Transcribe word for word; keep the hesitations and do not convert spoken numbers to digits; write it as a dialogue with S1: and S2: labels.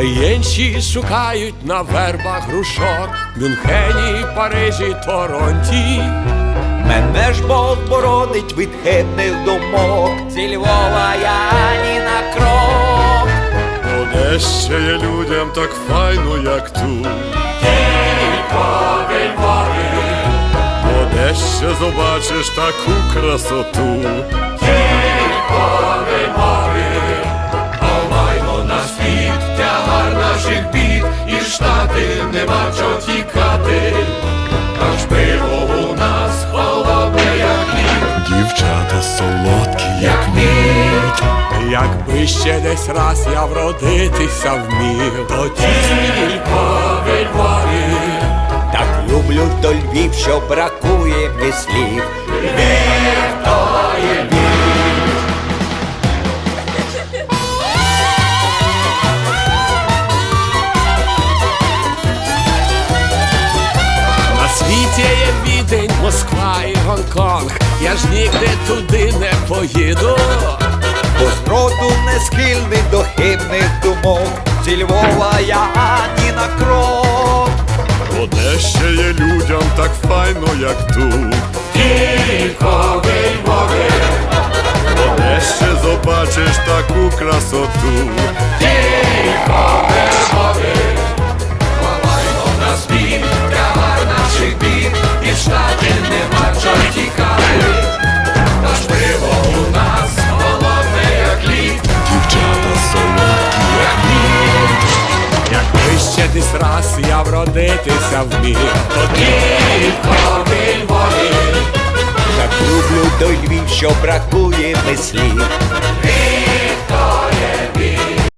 S1: Єнші шукають на вербах грушок, Мюнхені, Парижі, Торонті.
S2: Мене ж Бог боронить від хибних думок, зі Львова я ні на крок.
S3: Де ще є людям так файно, як тут?
S1: Тільки Львові,
S3: Бо де ще побачиш таку красоту?
S1: тільки Львові. Ховаймо на світ тягар наших бід, і Штати нема чого тікати. Аж пиво у нас холодне, як лід,
S3: Дівчата солодкі,
S1: як мід. Якби ще десь раз я вродитися вмів, то тільки в Львові.
S2: Так люблю то Львів, що бракує мені слів.
S1: Львів то є Львів. На світі є Відень, Москва і Гонконг, я ж нігде туди не поїду.
S2: Бо зроду не схильний до хибних думок, зі Львова я ні на крок.
S3: Бо де ще є людям так файно, як тут?
S1: Тільки в Львові,
S3: Бо де ще побачиш таку красоту?
S1: тільки в Львові. Ховаймо на світ тягар наших бід, і в Штати нема чого тікати. Наш пиво у нас холодне, як лід,
S3: Дівчата солодкі,
S1: як мід. Якби ще десь раз я вродитися вмів, то тільки в Львові.
S2: Так люблю той Львів, що бракує мені слів.
S1: Львів